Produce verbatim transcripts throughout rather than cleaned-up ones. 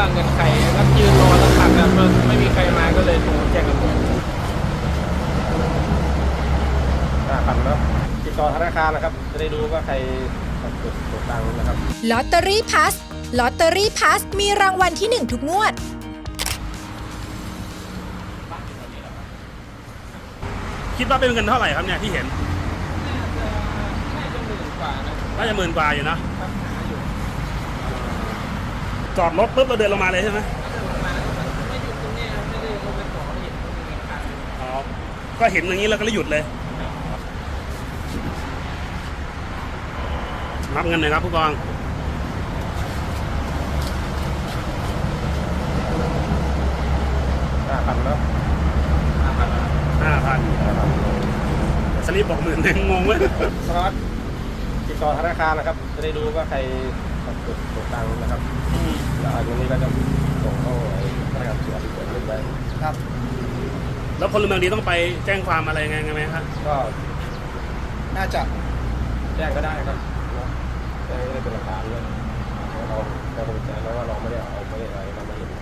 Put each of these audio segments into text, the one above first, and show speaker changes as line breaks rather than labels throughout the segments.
เงินใครก็ยืนรอสักพักแล้วไม่มีใครมาก็เลยโทรแจ้งตำรวจ
ห้าพันเนาะติดต่อธนาคารนะครับจะได้รู้ว่าใครกดกดตังค์นะครับ
ลอตเตอรี่พัสลอตเตอรี่พัสมีรางวัลที่หนึ่งทุกงวด
คิดว่าเป็นเงินเท่าไหร่ครับเนี่ยที่เห็น
น่าจะน่าจะหมื่นกว่านะ
น่าจะหมื่นกว่าอยู่นะ
ครับหาอยู่
จอดรถปุ๊บเราเดินลงมาเลยใช่ไหม
ลงมาไม่หยุดตรงนี้ไม่ได้ลงไปต่อเห็นตรงนี้ครับ
อ๋อก็เห็นอย่างนี้แล้วก็เลยหยุดเลยนับเงินหน่อยครับผู้กอง
ห้าพันเนาะ
ห้าพัน
ห้าพันสลิปบอกหมื่นหนึ่งงงเว้ย
สารวัตรติดต่อธนาคารนะครับจะได้รู้ว่าใครกดกดตังค์นะครับแล้วอันนี้ก็จะส่งเข้าพนักงานสอบสวนเงินไว้
ครับแล้วพลเมืองดีต้องไปแจ้งความอะไรไงไงไหมครับ
ก็
น่าจะ
แจ้งก็ได้ครับแจ้งได้เป็นหลักฐานเลยเราเราคงจะแล้วว่าเราไม่ได้เอาไม่ได้อะไรเราไม่เห็น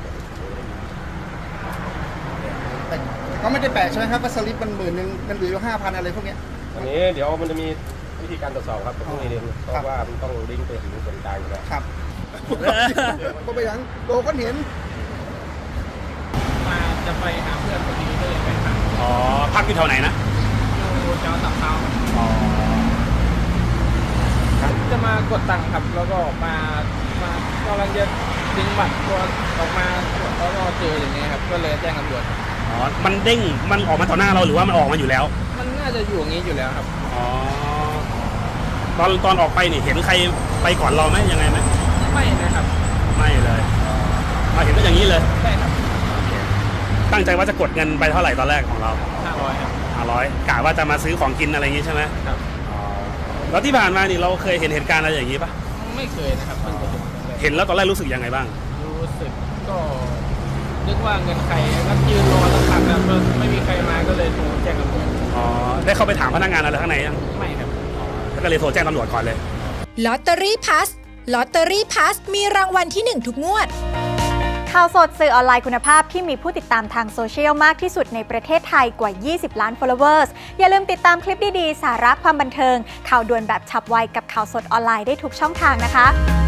แต่ก็ไม่ได้แปลกใช่ไหมครับว่าสลิปมันหมื่นหนึ่งมันเหลือห้าพันอะไรพวกเนี้ย
อันนี้เดี๋ยวมันจะมีวิธีการตรวจสอบครับตรงนี้เรียนเพราะว่ามันต้องลิงก์ไปถึงส่วนกลางอยู่แล้ว
ครับก็ไปยังโลก็เห็น
มาจะไปหาเพื่อนคนนี้ก็เลยไปหา
อ๋อพักอยู่แถวไหนนะ
อยู่แถวตับเท้า
อ๋อ
จะมากดตังค์ครับแล้วก็มามากำลังจะดึงบัตรตัวออกมาแล้วก็เจออย่างเงี้ยครับก็เลยแจ้งตำรวจ
อ๋อมันเด้งมันออกมาต่อหน้าเราหรือว่ามันออกมาอยู่แล้ว
มันน่าจะอยู่อย่างนี้อยู่แล้วครับ
อ๋อตอนตอนออกไปนี่เห็นใครไปก่อนเราไหมยังไงไหม
ไม่นะครับ
ไม่เลยมาเห็นก็อย่างนี้เลย
ใช่ครับ
ตั้งใจว่าจะกดเงินไปเท่าไหร่ตอนแรกของเรา
ห้าร้อยครับ
ห้าร้อยกะว่าจะมาซื้อของกินอะไรอย่างนี้ใช่ไหม
ครับ
แล้วที่ผ่านมานี่เราเคยเห็นเหตุการณ์อะไรอย่างนี้ปะ
ไม่เคยนะครับ
เห็นแล้วตอนแรกรู้สึกยังไงบ้าง
รู้สึกก็นึกว่าเงินใครก็ยืนรอสักพักแล้วไม่มีใครมาก็เลยโทรแจ้งตำรวจ
อ๋อได้เข้าไปถามพนักงานอะไรข้างในยัง
ไม่ครับ
แล้วก็เลยโทรแจ้งตำรวจก่อนเลย
ลอตเตอรี่พัสลอตเตอรี่พัสมีรางวัลที่หนึ่งทุกงวด
ข่าวสดสื่อออนไลน์คุณภาพที่มีผู้ติดตามทางโซเชียลมากที่สุดในประเทศไทยกว่ายี่สิบล้าน followers อย่าลืมติดตามคลิปดีๆสาระความบันเทิงข่าวด่วนแบบฉับไวกับข่าวสดออนไลน์ได้ทุกช่องทางนะคะ